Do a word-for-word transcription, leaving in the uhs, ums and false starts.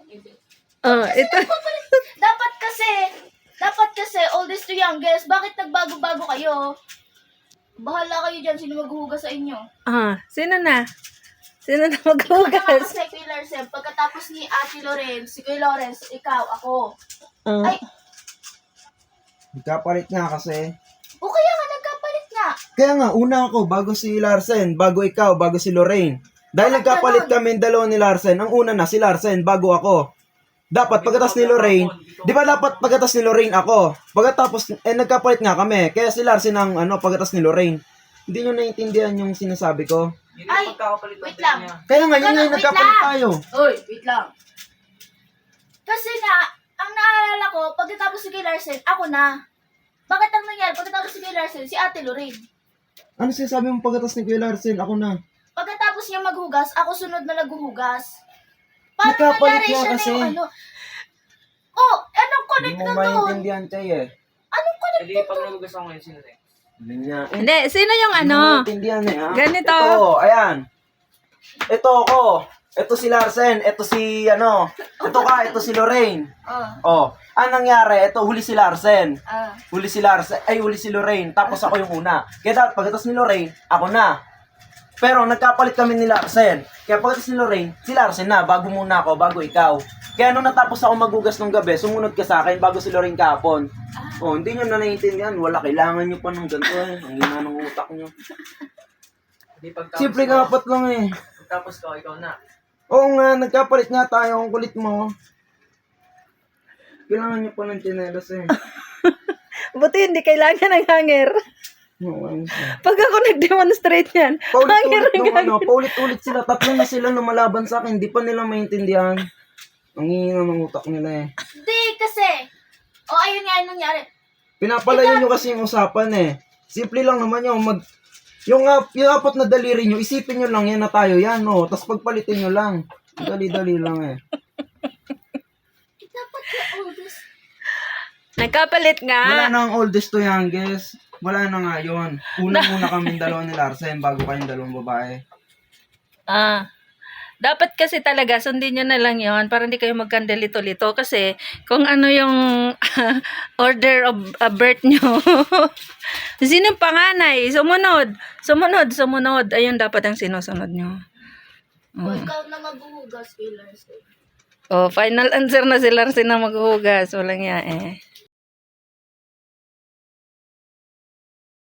Oh, ito. Dapat kasi, dapat kasi, oldest to youngest, bakit nagbago-bago kayo? Bahala kayo dyan, sino maghuhugas sa inyo? Ah, sino na? Sino na Ikaw na nga maghugas? kasi, Kuya Larsen, pagkatapos ni Ate Lorenz, si Kuya Lawrence, ikaw, ako. Ah, Ay, Nagkapalit nga kasi. o kaya nga, nagkapalit nga. Kaya nga, una ako, bago si Larsen, bago ikaw, bago si Lorraine. Dahil Bakit nagkapalit ganon? kami dalawa ni Larsen, ang una na si Larsen, bago ako. Dapat pagkatas ni Lorraine, di ba dapat pagkatas ni Lorraine ako? Pagkatapos, eh nagkapalit nga kami, kaya si Larsen ang ano, pagkatas ni Lorraine. Hindi nyo naiintindihan yung sinasabi ko. Ay, wait lang. Kaya nga, yun nga yung Wait nagkapalit lang. tayo. Uy, wait lang. Kasi nga, ang naalala ko, pagkatapos si Kuya Larsen, ako na. Bakit ang nangyari? Pagkatapos si Kuya Larsen, si Ate Lorraine. Ano sinasabi mo pagkatas ni Kuya Larsen? Ako na. Pagkatapos niya maghugas, ako sunod na naghuhugas. Parang Nagkapalit nangyari nga siya kasi. na yung ano. Oh, anong Hindi connect mo na doon? maintindihan, Chay eh. Anong connect Hindi, na pag doon? nagugas ako ngayon, sino rin? Hindi niya. Eh, hindi, sino yung Hindi mo ano? maintindihan eh, ha? Ganito. Ito, ayan. Ito ako. Ito si Larsen. Ito si, ano. Ito ka, ito si Lorraine. Ah, Oh, ang nangyari, ito huli si Larsen. ah. Huli si Larsen, ay huli si Lorraine, tapos ako yung una. Kaya dapat pagkatapos ni Lorraine, ako na. Pero nagkapalit kami ni Larsen. Kaya pagkatapos ni Lorraine, si Larsen na, bago muna ako, bago ikaw. Kaya nung natapos ako magugas nung gabi, sumunod ka sa akin bago si Lorraine kahapon. Oh, hindi nyo na naiintindihan. Wala, kailangan nyo pa ng ganito eh. Ang hina ng utak nyo. Hindi, pagtapos Simple ko, kapat lang eh. pagtapos ko, ikaw na. Oo nga, nagkapalit nga tayo. Ang kulit mo. Kailangan nyo pa ng tsinelas eh. Buti hindi kailangan ng hanger. Oo, ayun siya. Pag ako nag-demonstrate yan, hanger Paulit-ulit ang nung ano, gagawin. paulit-ulit sila. Tatlo na sila lumalaban sa akin. Hindi pa nila maintindihan. Ang hina ng utak nila eh. Hindi, kasi. O, oh, ayun nga yung nangyari. Pinapalayo nyo kasi yung usapan eh. Simple lang naman yung mag... Yung, uh, yung apat na daliri nyo, isipin nyo lang yan na tayo yan, no? Tapos pagpalitin nyo lang. Dali-dali lang eh. Eh, dapat yung oldest. Nagkapalit nga. Wala na ang oldest to youngest. Wala na nga yun. Unang-una kami dalawa ni Larsen bago kayong dalawang babae. Ah. Dapat kasi talaga, sundin nyo na lang yon para hindi kayo magkandalito-lito. Kasi, kung ano yung order of uh, birth nyo. Sino yung panganay? Sumunod. Sumunod, sumunod. Ayun dapat ang sinusunod nyo. O, ikaw na maghuhugas, Kuya Larsen. Oh, final answer na si Larsen na maghuhugas. Walang ya eh.